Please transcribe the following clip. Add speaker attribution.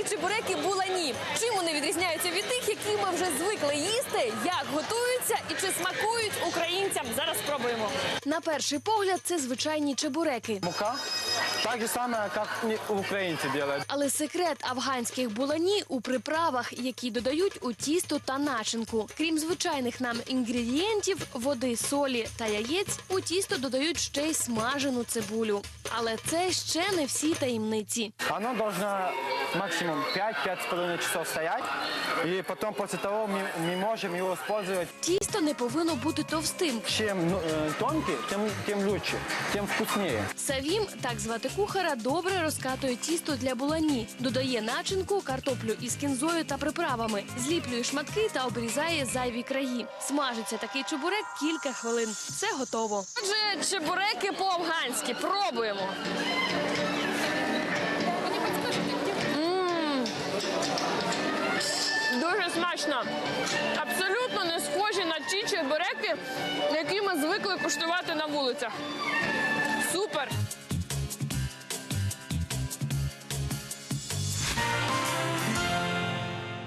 Speaker 1: афганські чебуреки булані. Чим вони відрізняються від тих, які ми вже звикли їсти, як готуються і чи смакують українцям? Зараз спробуємо. На перший погляд це звичайні чебуреки.
Speaker 2: Мука так же саме, як українці роблять.
Speaker 1: Але секрет афганських булані у приправах, які додають у тісто та начинку. Крім звичайних нам інгредієнтів, води, солі та яєць, у тісто додають ще й смажену цибулю. Але це ще не всі таємниці.
Speaker 2: Воно должно максимум 5-5,5 часов стоять, і потім після того ми можемо його використовувати.
Speaker 1: Тісто не повинно бути товстим.
Speaker 2: Чим тонкий, тим краще, тим вкусніше.
Speaker 1: Савім, так звати кухара, добре розкатує тісто для булані. Додає начинку, картоплю із кінзою та приправами. Зліплює шматки та обрізає зайві краї. Смажиться такий чебурек кілька хвилин. Все готово. Отже, чебуреки по-афганськи. Пробуємо. Дуже смачно. Абсолютно не схожі на ті чебуреки, які ми звикли куштувати на вулицях. Супер!